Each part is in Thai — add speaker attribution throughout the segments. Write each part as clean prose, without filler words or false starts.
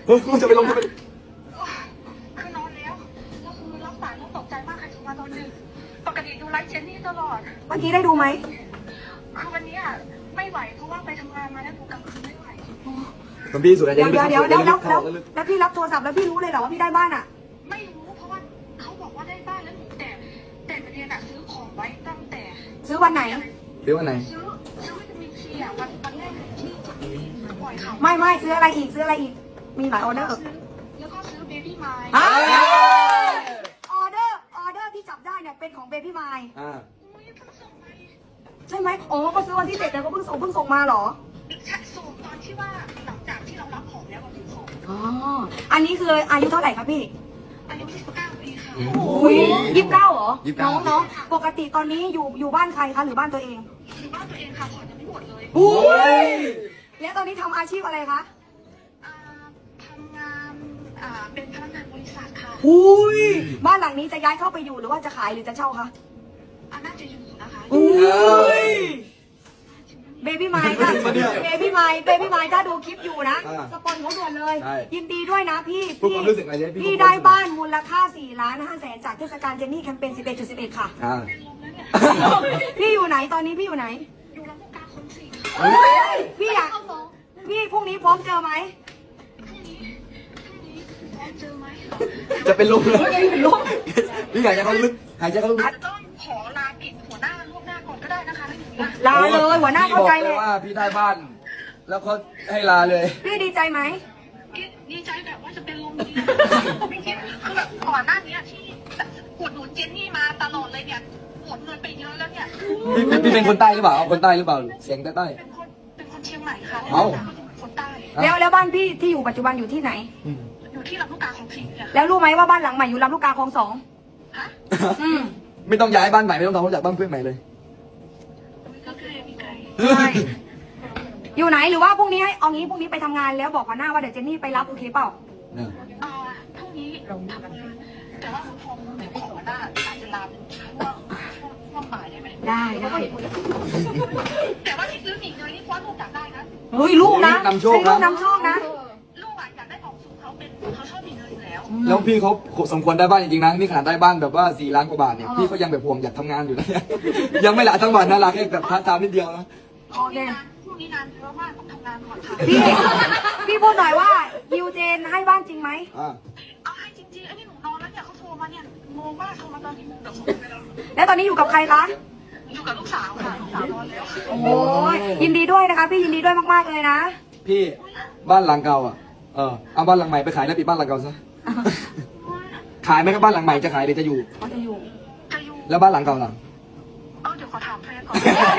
Speaker 1: จะไปลงจะไป
Speaker 2: คือนอนแล้วคือรับสายแล้วตกใจมากใครโทรมาตอนดึกปกติดูไลฟ์เจนนี่ตลอด
Speaker 3: เมื่อกี้ได้ดูไหม
Speaker 2: คือวันนี้ไม่ไหวเพราะว่าไปทำงานมาแล้วดูกลางคืนไม่ไหว
Speaker 1: คุณพี่สุดท้าย
Speaker 3: เดี๋ยวแล้ว
Speaker 1: พี่
Speaker 3: พี่รับโทรศัพท์แล้วพี่รู้เลยเหรอว่าพี่ได้บ้านอ่ะ
Speaker 2: ไม่รู้เพราะว่าเขาบอกว่าได้บ้านแล้วหนูแต่ประเด็นซื้อของไว้ตั้งแต่
Speaker 3: ซื้อวันไหน
Speaker 1: เดี๋ยววันไหน
Speaker 2: ซื้อวิตามินซีวันแรกที่ปล่อยข่าว
Speaker 3: ไม่ซื้ออะไรอีกมีหลายออเดอร์
Speaker 2: แล้วก็ซื้อเบบี้ไมล์
Speaker 3: ออเดอร์ที่จับได้เนี่ยเป็นของเบบี้ไมล์
Speaker 2: อุ้ยเพิ่งส่งไป
Speaker 3: ใช่ไหมอ๋อก็ซื้อวันที่7แต่ก็เพิ่งส่งมาเหรอ
Speaker 2: ส่งตอนที่ว่าหลังจากที่เรารับของแล้ววันที่ส่ง
Speaker 3: อ๋ออันนี้คืออายุเท่าไหร่ครับพี่
Speaker 2: อายุ19 ปีค่ะ
Speaker 3: อุ้ย29เหรอน้องปกติตอนนี้อยู่บ้านใครคะหรือบ้านตัวเอง
Speaker 2: คือบ้านตัวเองค่ะผ่อนยังไม่หมดเลย
Speaker 3: อุ้ยแล้วตอนนี้ทำอาชีพอะไรคะ
Speaker 2: ทำงานเป็นพนักงานบริษัทค่ะ
Speaker 3: อุ้ยบ้านหลังนี้จะย้ายเข้าไปอยู่หรือว่าจะขายหรือจะเช่าคะ
Speaker 2: น่าจะอยู่นะคะ
Speaker 3: อุ้ยเบบี้ไมค์ค่ะเบบี้ไมค์ถ้าดูคลิปอยู่นะสปอนเขาด่วนเลย ยินดีด้วยนะพี่พี่ได้บ้านมูลค่า4,500,000จากเทศกาลเจนนี่แคมเปญ 11.11 ค่ะ พี่อยู่ไหนตอนนี้พี่อยู่ไหน
Speaker 2: อยู่ลำลูกกาคนสี่
Speaker 3: พี่อยากพี่พรุ่งนี้พร้อมเจอไหม
Speaker 2: พรุ่งนี้พร้อมเจอไหม
Speaker 1: จะเป็นลมเลย
Speaker 3: ลม
Speaker 1: พี่หายใจเข้าลึกหายใจเข้าลึก
Speaker 2: อาจจะต้องขอลาปิดหัวหน้าล่วงหน้าก่อนก็ได้นะคะถ้าอย่างนี้
Speaker 3: ลาเลยหัวหน้าเข้าใจเลย
Speaker 1: ว่าพี่ได้บ้าน แล้วเขาให้ลาเลย
Speaker 3: พี่ดีใจไหม
Speaker 2: ดีใจแบบว่าจะเป็นลมดีไม่คิดคือแบบก่อนหน้านี้ที่อุดหนุนเจนนี่มาตลอดเลยเนี่ยหมดเงินไปเยอะแล้วเนี่ย
Speaker 1: พี่เป็นคนใต้หรือเปล่าเอาคนใต้หรือเปล่าเสียงใต้
Speaker 2: เป็นคนเชียงใหม่ค่ะ
Speaker 1: เอ้า
Speaker 2: คนใต้
Speaker 3: แล้วบ้านพี่ที่อยู่ปัจจุบันอยู่ที่ไหน
Speaker 2: อยู่ที่ลำลูกกาของสี่ค่ะ
Speaker 3: แล้วรู้ไหมว่าบ้านหลังใหม่อยู่ลำลูกกาคลอง2
Speaker 2: ฮะ
Speaker 1: ไม่ต้องย้ายบ้านใหม่ไม่ต้องทำความรู้จักบ้านเพื่อนใหม่เลย
Speaker 2: ก็ใกล้มีไกล
Speaker 3: ใช่อยู่ไหนหรือว่าพรุ่งนี้ให้เอางี้พรุ่งนี้ไปทำงานแล้วบอกหัวหน้าว่าเดี๋ยวเจนนี่ไปรับโอเคเปล่า
Speaker 2: พรุ่งนี้เราทำงานแต่ว่าคุณพงศ์เดี๋ยวขอหน้าอาจจะลาเป็นช่วงบ่ายได้ไหม
Speaker 3: ได้
Speaker 2: แต่ว่าที่ซื้อหมี่เนยนี่เพราะลูกอยากได้นะ
Speaker 3: เฮ้ยลูกนะ
Speaker 1: นำโชค
Speaker 3: ลู
Speaker 1: นะ
Speaker 3: กนำโชคนะ
Speaker 2: ลูกอยากได้ของสูงเขาชอบหมี่เนยอยู่แล้ว
Speaker 1: แล้วพี่เขาสมควรได้บ้านจริงๆนะนี่ขนาดได้บ้านแบบว่า4 ล้านกว่าบาทเนี่ยพี่เขายังแบบห่วงอยากทำงานอยู่นะยังไม่ละทั้งวันนะลาแค่แบบพาร์ทไทม์นิดเดียวนะ
Speaker 2: พรุ่งนี้งานเยอะมากต้องทำงานก่อนค่ะ
Speaker 3: พี่พูดหน่อยว่ายูเจนให้บ้านจริงไหม
Speaker 2: เอาให้จริงๆไอ้นี่หนูนอนแล้วเนี่ยเขาโทรมาเนี่ยงงมากโทรมาตอนกี่โมงเดี๋ยวส่งไปแล้ว
Speaker 3: แล้วตอนนี้อยู่กับใครคะ
Speaker 2: อยู่กับลูกสาวค่ะลูกสาวนอนแล้ว
Speaker 3: โอ้ยยินดีด้วยนะคะพี่ยินดีด้วยมากๆเลยนะ
Speaker 1: พี่บ้านหลังเก่าเอาบ้านหลังใหม่ไปขายแล้วปิดบ้านหลังเก่าซะขายไหมครับบ้านหลังใหม่จะขายหรือจะอยู่
Speaker 3: เขาจะอยู่
Speaker 2: จะอยู่
Speaker 1: แล้วบ้านหลังเก่าหลัง
Speaker 2: เดี๋ยวขอถามแฟนก่อน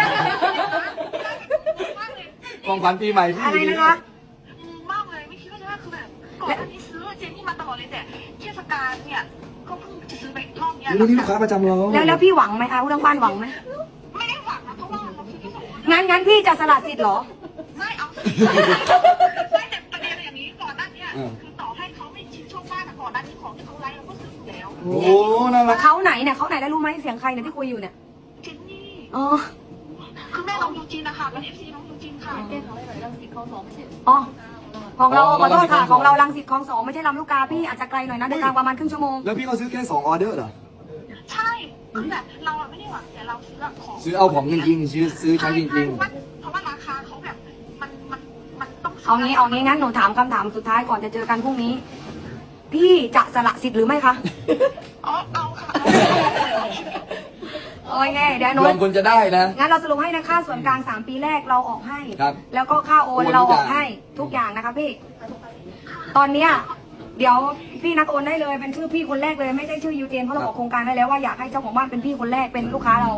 Speaker 1: ของขวัญปีใหม่พี่
Speaker 3: อะไรนะคะ
Speaker 2: มากเลยไม่คิดว่าจะได้คือแบบก่อนหน้านี้ซื้อเจนนี่มาตลอดเลยแต่เทศกาลเนี่ยก็เพิ่งจะซื้อไปรอบเนี้ย
Speaker 1: นี่ลูกค้าประจำเรา
Speaker 3: แล้วพี่หวังไหมคะผู้ทั้งบ้านหวังไหม
Speaker 2: ไม่ได้หวังนะเพราะว่าเราซื้อที่สอง
Speaker 3: งั้นพี่จะสละสิทธิ์เหรอ
Speaker 2: ไม่เอาไม่แต่ประเด็นอย่างนี้ก่อนหน้านี้คือต่อให้เขาไม่ชินโชคมากแต่ก่อนหน้านี้ของที่เขาไลฟ์เราก็ซื้ออยู่แล้ว
Speaker 1: โอ้น่ารัก
Speaker 3: เขาไหนเนี่ยเขาไหนแล้วรู้ไหมเสียงใครเนี่ยที่คุยอยู่เนี่ย
Speaker 2: เจนนี่
Speaker 3: อ๋อ
Speaker 2: คือแม่น้องยูจีนนะคะเป็น FC น้องยูจีนค่ะเป็นอะไรแบบรังสิตคลอง2ไม่ใช่
Speaker 3: อ๋อของเราขอโทษค่ะของเรารังสิตคลอง2ไม่ใช่ลำลูกกาพี่อาจจะไกลหน่อยนะเดินทางประมาณครึ่งชั่วโมง
Speaker 1: แล้วพี่เขาซื้อแค่2 ออเดอร์เหรอ
Speaker 2: ใช่คือแบบเราไม่ได้หวังแต่เราซื้อของ
Speaker 1: ซื้อเอาของจริงๆซื้อใช้จริง
Speaker 2: เพราะว่าราคาเขาแบบมันต้อง
Speaker 3: เอางี้งั้นหนูถามคำถามสุดท้ายก่อนจะเจอกันพรุ่งนี้ พี่จะสละสิทธิ์หรือไม่คะ
Speaker 2: เอาค่ะ
Speaker 3: โอเคเดี๋ยวห
Speaker 1: ๆ
Speaker 3: นู
Speaker 1: รวมคนจะได้นะ
Speaker 3: งั้นเราสรุปให้นะค่าส่วนกลาง3 ปีแรกเราออกให้
Speaker 1: ครับ
Speaker 3: แล้วก็ค่าโอนเราออกให้ทุกอย่างนะคะพี่ ตอนเนี้ยเดี๋ยวพี่นัดโอนได้เลยเป็นชื่อพี่คนแรกเลยไม่ใช่ชื่อยูเจนเพราะเราออกโครงการได้แล้วว่าอยากให้เจ้าของบ้านเป็นพี่คนแรกเป็นลูกค้าเรา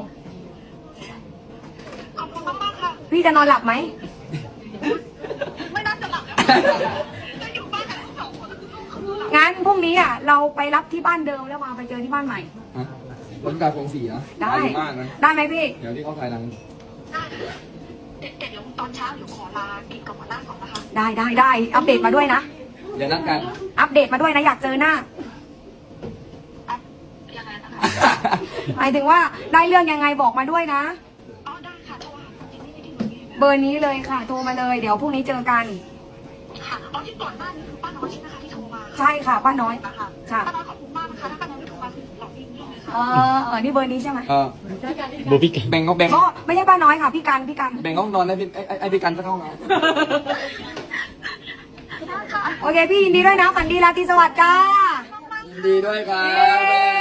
Speaker 2: ขอบคุณมากๆค่ะ
Speaker 3: พี่จะนอนหลับไหม
Speaker 2: ไม่น่าจะหลับแล้วจะอยู่บ้านกับลูกสองคนแล้วคือลูกคือหลับ
Speaker 3: งั้นพรุ่งนี้เราไปรับที่บ้านเดิมแล้วมาไปเจอที่บ้านใหม่
Speaker 1: ร้านกาคงสีนะ
Speaker 3: ได้
Speaker 1: มากนะ
Speaker 3: ได้ไหมพี่
Speaker 1: เดี๋ยวที่เขาถ่ายหนัง
Speaker 2: ได้แต่เดี๋ยวตอนเช้าเดี๋ยวขอลากินกับหัวหน้าก่อนนะคะ
Speaker 3: ได้อัปเดตมาด้วยนะ
Speaker 1: เดี๋ยวนัดกัน
Speaker 3: อัปเดตมาด้วยนะอยากเจอหน้า
Speaker 2: ยังไงนะคะ
Speaker 3: หมายถึงว่าได้เรื่องยังไงบอกมาด้วยนะ
Speaker 2: ได้ค่ะโทรหาจริงๆไม่ได้ที่หนูมี
Speaker 3: เบอร์นี้เลยค่ะ โทรมาเลย เดี๋ยวพรุ่งนี้เจอกัน
Speaker 2: โค่ะเอาที่ก่อนหน้านี้คือป้าน้อยใช่ไหมคะที่โทรมา
Speaker 3: ใช่ค่ะป้าน้อย
Speaker 2: นะคะ
Speaker 3: ค่ะ
Speaker 2: ป้าน้อยขอบคุณมากนะคะถ้าป้าน้อยไม่โทรมาคือหลอกยิ่งเลยค่ะ
Speaker 3: นี่เบอร์นี้ใช่ไหม
Speaker 4: โบพี่กัน
Speaker 1: แบ่งเขาแบ่ง
Speaker 3: ก็ไม่ใช่ป้าน้อยค่ะพี่กัน
Speaker 1: แบ่งห้องนอนให้พี่ไอ้พี่กันสักห้องนะ
Speaker 3: โอเคพี่ยินดีด้วยนะฝันดีราตรีสวัสดิ์จ้า
Speaker 1: ยินดีด้วยครับ